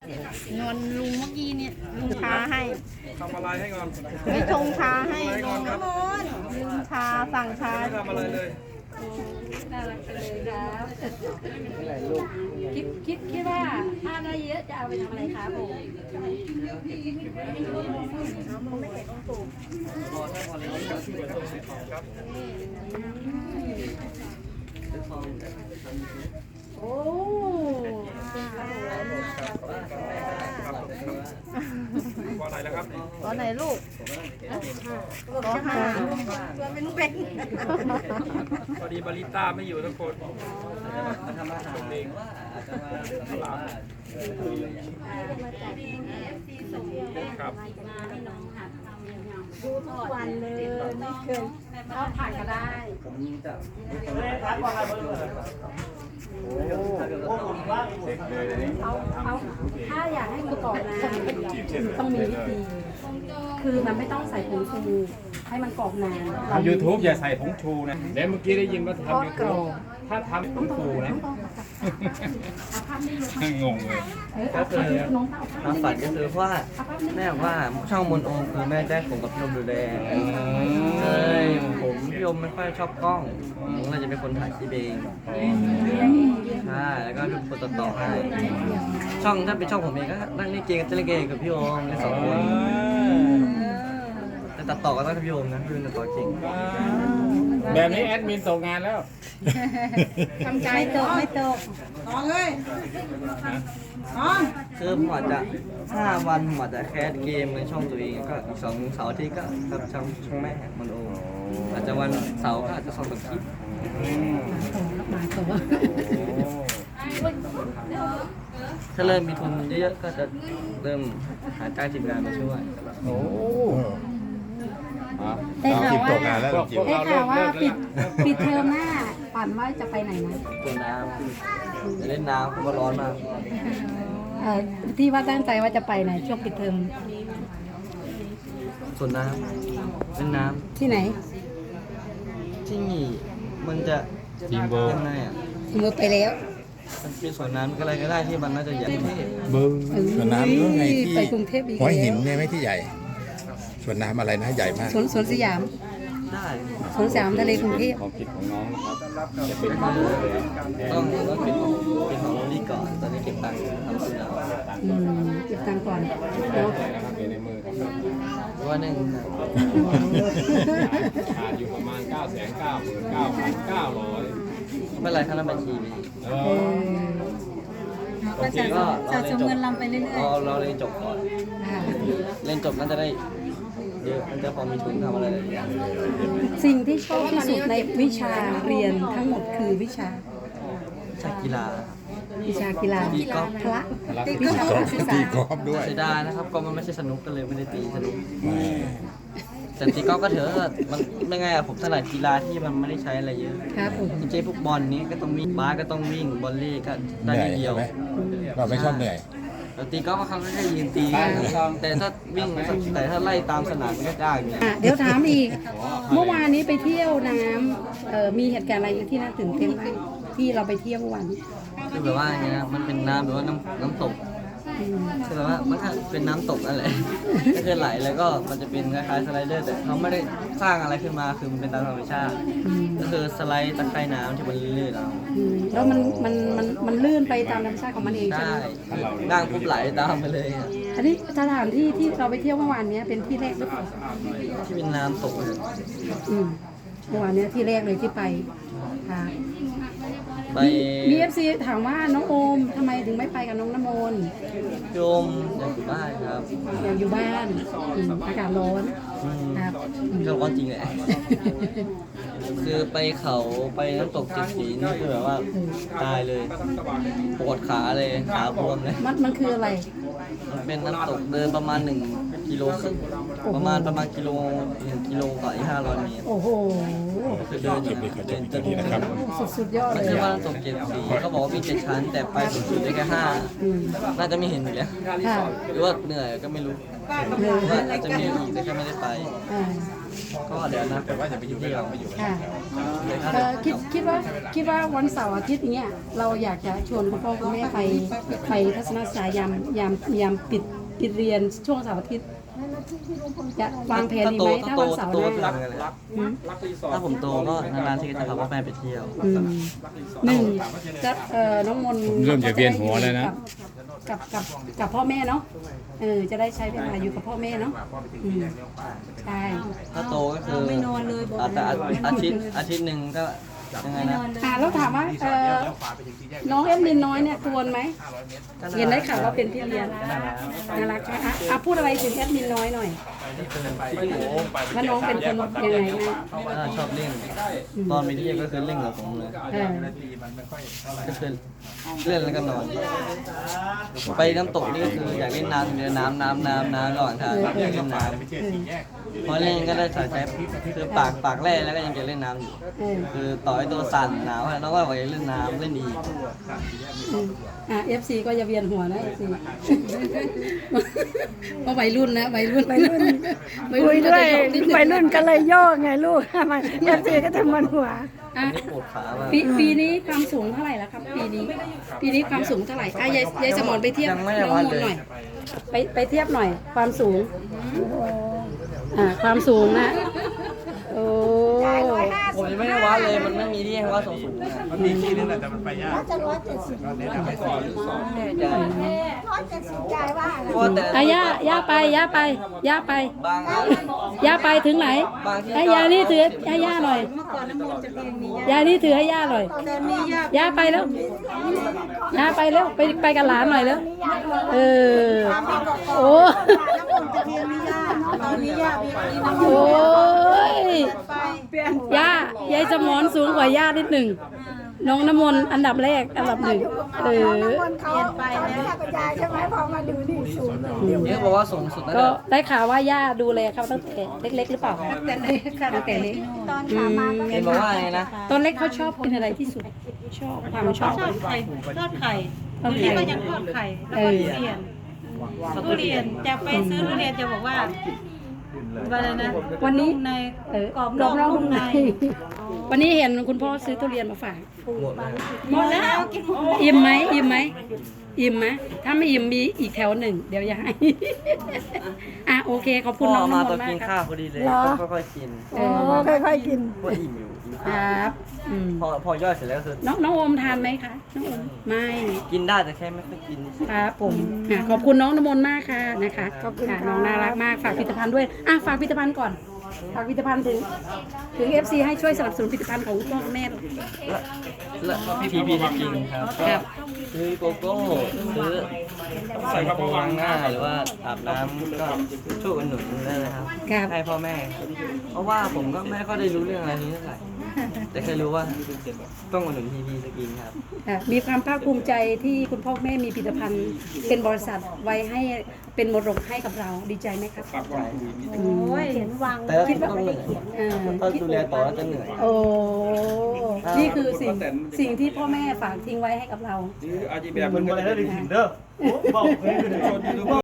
นวลลุงเมื่อกี้เนี่ยลุงชาให้ทำอะไรให้ก่อนไม่ชงชาให้อะไรก่อนครับลุงชาสั่งชาไม่ทำอะไรเลยน่ารักไปเลยครับคิดว่าถ้าได้เยอะจะเอาไปทำอะไรครับผม โอ้ก่อนไหนแล้วครับตอนไหนลูกก็ห้าพอดีบาริต้าไม่อยู่ทุกคนชมเองครับดูทุกวันเลยไม่เคยเอาผักก็ได้เอาถ้าอยากให้มันกรอบนานต้องมีวิธี คือมันไม่ต้องใส่ผงชูให้มันกรอบนานทำ YouTube อย่าใส่ผงชูนะเดี๋ยวเมื่อกี้ได้ยินว่าทำ YouTube ถ้าทำผงชูนะ งงเลยก็คือความฝันก็คือว่าแม่บอกว่าช่องมนโอมคือแม่ได้ผมกับพี่โอมดูแลเลยผมพี่โอมไม่ค่อยชอบกล้องผมเลยจะเป็นคนถ่ายคลิปเองใช่แล้วก็เป็นคนตัดต่อให้ช่องถ้าเป็นช่องผมเองก็นั่งเล่นเกมจะเล่นเกมกับพี่โอมเล่นสองคนแต่ตัดต่อก็ต้องพี่โอมนะพี่โอมตัดต่อเก่งแบบนี้แอดมินตกงานแล้วทำใจไม่ตกคือผมอาจจะ5 วันผมอาจจะแคสเกมในช่องตัวเองก็อีก2 เสาร์อาทิตย์ก็กับช่องแม่มนโอมอาจจะวันเสาร์ก็อาจจะ2 คลิปถ้าเริ่มมีทุนเยอะๆก็จะเริ่มหาจ้างทีมงานมาช่วยโอ้ได้ข่าวว่าพวกเราได้ข่าวว่าเลิกปิดเทอมหน้าฝันว่าจะไปไหนนะตัวน้ำจะเล่นน้ำเพราะว่าร้อนมากที่ว่าตั้งใจว่าจะไปไหนช่วงปิดเทอมส่วนน้ำเล่นน้ที่ไหนำที่นี่มันจะทีมเวิร์ยังไงอ่ะถึงไปแล้วมันเป็นสวนน้ำอะไรก็ได้ที่มันน่าจะใหญ่ที่เบิ้งสวนน้ำก็ไงที่ไปกรุงเทพอีกหัวหินแล้วเนี่ยไม่ที่ใหญ่สวนน้ำอะไรนะใหญ่มากสวนสยามได้สวนสยามทะเลกรุงเทพความคิดของน้องนะครับจะเป็นก็คือต้องเป็นของโรลลี่ก่อนตอนนี้เก็บตังค์ทำสวนน้เก็บตังค์ก่อนเนาะนะครับอยู่ในมือครับำเพราะว่าหนึ่งขาดอยู่ประมาณ 999,900 ไม่เป็นไรถ้าเราบัญชีมีก็จะสะสมเงินลำไปเรื่อยเราเรียนจบก่อนๆค่ะเรียนจบน่าจะได้เยอะมันจะพอมีทุนทำอะไรหลายอย่างสิ่งที่ชอบที่สุดในวิชาเรียนทั้งหมดคือวิชาจากกีฬาวิชากีฬาตีกอล์ฟพละวิชาก็ศึกษาตีกอล์ฟด้วยเสียดายนะครับก็มันไม่ใช่สนุกก็เลยไม่ได้ตีสนุกแต่ตีกอล์ฟก็เถอะมันไม่ไงอะผมถนัดกีฬาที่มันไม่ได้ใช้อะไรเยอะครับผมจริงๆพวกบอลนี้ก็ต้องวิ่งบาสก็ต้องวิ่งบอลเล่ก็เหได้นื่อยนิดเดียวใช่ไหมเราไม่ชอบเหนื่อยแต่ตีกอล์ฟเขาก็แค่ยืนตีแต่ถ้าวิ่งแต่ถ้าไล่ตามสนามมันก็ยากอยู่เดี๋ยวถามอีก เมื่อวานนี้ไปเที่ยวน้ำมีเหตุการณ์อะไรที่น่าตื่นเต้นบ้างที่เราไปเที่ยวเมื่อวานนี้คือแบบว่าอย่างเงี้ยมันเป็นน้ำแบบว่าน้ำตกคือแบบว่ามันก็เป็นน้ำตกนั่นแหละก็คือไหลแล้วก็มันจะเป็นคล้ายๆสไลเดอร์แต่เขาไม่ได้สร้างอะไรขึ้นมาคือมันเป็นตามธรรมชาติ ก็คือสไลด์ตะไคร่น้ำที่มันลื่นๆเอาแล้วมันลื่นไปตามธรรมชาติของมันเองใช่ได้ไหมนั่งปุ๊บไหลตามไปเลยอะอันนี้สถานที่ที่เราไปเที่ยวเมื่อวานนี้เป็นที่แรกหรือเปล่าที่เป็นน้ำตกเลยเมื่อวานนี้ที่แรกเลยที่ไปค่ะไปมีเอฟซีถามว่าน้องโอมทำไมถึงไม่ไปกับน้องน้ำมนต์โยมอยากอยู่บ้านครับอยากอยู่บ้านอากาศร้อนครับก็ร้อนจริงแหละ คือไปเขาไปน้ำตกเจ็ดสีนี่คือแบบว่าตายเลยปวดขาเลยขาบวมเลยมันคืออะไรมันเป็นน้ำตกเดินประมาณ1 กิโลครึ่งประมาณกิโล1 กิโลกว่าอีก500 เมตรโอ้โหคือเดินอยู่เดินจนนะครับสุดยอดมันเลยชื่อว่าน้ำตกเจ็ดสีเขาบอกว่ามี7 ชั้น แต่ไปสูงสุดได้แค่5น่าจะไม่เห็นอยู่แล้วค่ะหรือว่าเหนื่อยก็ไม่รู้ว่าจะมีอีกแต่ก็ไม่ได้ไป ก็เดี๋ยวนะแต่ว่าจะไปอยู่ที่เราไม่อยู่ค่ะคิดว่าวันเสาร์อาทิตย์เนี้ยเราอยากจะชวนคุณพ่อคุณแม่ไปทัศนศึกษายามปิดเรียนช่วงเสาร์อาทิตย์จะวางแผนดีไหมถ้าวันเสาร์หน้ารักรีสอร์ทถ้าผมโตก็นานๆทีจะพาพ่อแม่ไปเที่ยวหนึ่งจะน้องมนต์ผมเริ่มจะเวียนหัวแล้วนะกับพ่อแม่เนาะจะได้ใช้เวลาอยู่กับพ่อแม่เนาะใช่ถ้าโตก็คือแต่อาทิตย์หนึ่งก็ยังไงนะแล้วถามว่าน้องเอ็มลินน้อยเนี่ยกวนไหมเห็นได้ข่าวว่าเป็นพี่เลี้ยงน่ารักใช่ไหมพูดอะไรถึงแอดมินน้อยหน่อยว่าน้องเป็นคนยังไงนะชอบเล่นตอนไปเที่ยวก็คือเล่นกับผมเลยก็คือเล่นแล้วก็นอน ไปน้ำตกนี่ก็คืออยากเล่นน้ำเดี๋ยวน้ำก่อนค่ะอยากเล่นน้ำพอเล่นก็ได้ใช้คือปากแร่แล้วก็ยังจะเล่นน้ำอยู่คือต่อให้ตัวสั่นหนาวแล้วก็อยากเล่นน้ำเล่นอีก FC ก็อย่าเวียนหัวนะ FC เพราะวัยรุ่นนะวัยรุ่นคุยด้วยวัยรุ่นก็เลยโยกไงลูกมันเอฟซีก็ทำมันหัวนี่ปวดขาบ้างปีนี้ความสูงเท่าไหร่แล้วครับปีนี้ความสูงเท่าไหร่ยายสมรไปเทียบน้องมนหน่อยไปเทียบหน่อยความสูงความสูงนะโอ้ผมยังไม่ได้วัดเลยมันไม่มีที่ให้วัดสูงมันมีที่นึงแต่มันไปยากย่าไปบางย่าไปถึงไหนให้ยานี่ถือให้ย่าหน่อยยานี่ถือให้ย่าหน่อยย่าไปแล้วไปกับหลานหน่อยแล้วโอ้โอ้ยยายสมรสูงกว่าย่านิดหนึ่งน้องน้ำมนต์อันดับหนึ่งเปลี่ยนไปแล้วยายใช่ไหมพอมาดูนี่สูงเนี่ยบอกว่าสูงสุดนะก็ได้ข่าวว่าย่าดูแลเขาตั้งแต่เล็กๆหรือเปล่าตั้งแต่เล็กตอนขามาก็เห็นบอกว่าไงนะตอนเล็กเขาชอบกินอะไรที่สุดความชอบไข่ทอดไข่ตอนนี้ก็ยังทอดไข่แล้วก็ทุเรียนจะไปซื้อทุเรียนจะบอกว่าอะไรนะวันนี้ในกรอบนอกนุ่มในวันนี้เห็นคุณพ่อซื้อทุเรียนมาฝากหมดแล้วกินหมดอิ่มไหมถ้าไม่อิ่มมีอีกแถวหนึ่งเดี๋ยวอย่าให้โอเคขอบคุณน้องมาน้ำมตอนนต์มากินกคข้ารัวบพอดีเลยค่อยๆกินค่อยๆกินก็อิ่มอยู่ครับพอย่อยเสร็จแล้วคือน้องโอมทานไหมคะน้องโอมไม่กินได้แต่แค่ไม่ค่อยกินครับผมขอบคุณน้องน้ำมนต์มากค่ะนะคะน้องน่ารักมากฝากผลิตภัณฑ์ด้วยฝากผลิตภัณฑ์ก่อนฝากผลิตภัณฑ์ถึง FC ให้ช่วยสนับสนุนผลิตภัณฑ์ของคุณพ่อคุณแม่และพีพีจริงครับซื้อโกโก้ซื้อใส่โฟล้างหน้าหรือว่าอาบน้ำก็ช่วยอุดหนุนได้เลยครับให้พ่อแม่เพราะว่าผมก็ไม่ค่อยได้รู้เรื่องอะไรนี้เท่าไหร่แต่เคยรู้ว่าต้องอุดหนุนพีพีสกินครับมีความภาคภูมิใจที่คุณพ่อแม่มีผลิตภัณฑ์เป็นบริษัทไว้ให้เป็นมรดกให้กับเราดีใจไหมครับโอ้ยเห็นวางแต่คิดว่าต้องเหนื่อยถ้าดูแลต่อแล้วจะเหนื่อยโอ้นี่คือสิ่งที่พ่อแม่ฝากทิ้งไว้ให้กับเราอาชีพแบบมันก็ได้ถึงเด้อบอกเลย